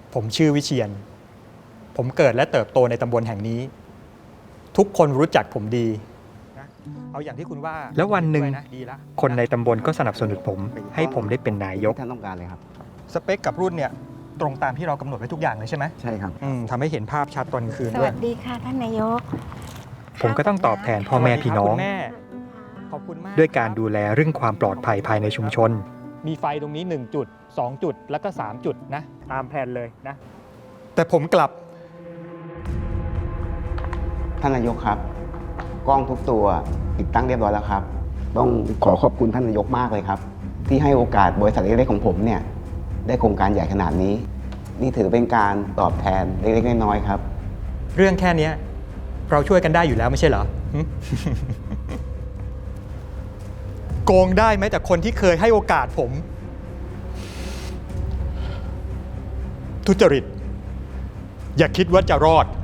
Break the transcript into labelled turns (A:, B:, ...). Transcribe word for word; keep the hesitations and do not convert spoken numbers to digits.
A: ผมชื่อวิเชียรผมเกิดและเติบโตในตำบลแห่งนี้ ทุกคนรู้จักผมดีนะเอาอย่างที่คุณว่า
B: แล้ววันหนึ่ง
A: ะดีละ
B: คนในตำบลก็สนับสนุนผม ให้ผมได้เป็นนายก
C: ท่านต้องการเลยครับ
A: สเปคกับรุ่นเนี่ยตรงตามที่เรากำหนดไว้ทุกอย่างเลยใช่ไหม
C: ใช่ครับ
A: อืมทำให้เห็นภาพชัดตอนกลางคืน
D: ส
A: ด้ว
D: วั
A: ย
D: สดีค่ะท่านนายก
B: ผมก็ต้องตอบแทนพ่อแม่พี่น้อง
A: คุณแม่ขอบคุณมาก
B: ด้วยการดูแลเรื่องความปลอดภัยภายในชุมชน
A: มีไฟตรงนี้หนึ่งจุดสองจุดแล้วก็สามจุดนะตามแผนเลยนะแต่ผมกลับ
C: ท่านนายกครับ กล้องทุกตัวติดตั้งเรียบร้อยแล้วครับ ต้องขอขอบคุณท่านนายกมากเลยครับ ที่ให้โอกาสบริษัทเล็กๆของผมเนี่ยได้โครงการใหญ่ขนาดนี้ นี่ถือเป็นการตอบแทนเล็กๆน้อยๆครับ
A: เรื่องแค่เนี้ยเราช่วยกันได้อยู่แล้วไม่ใช่เหรอหึ โกงได้ไหมแต่คนที่เคยให้โอกาสผม ทุจริต อย่าคิดว่าจะรอด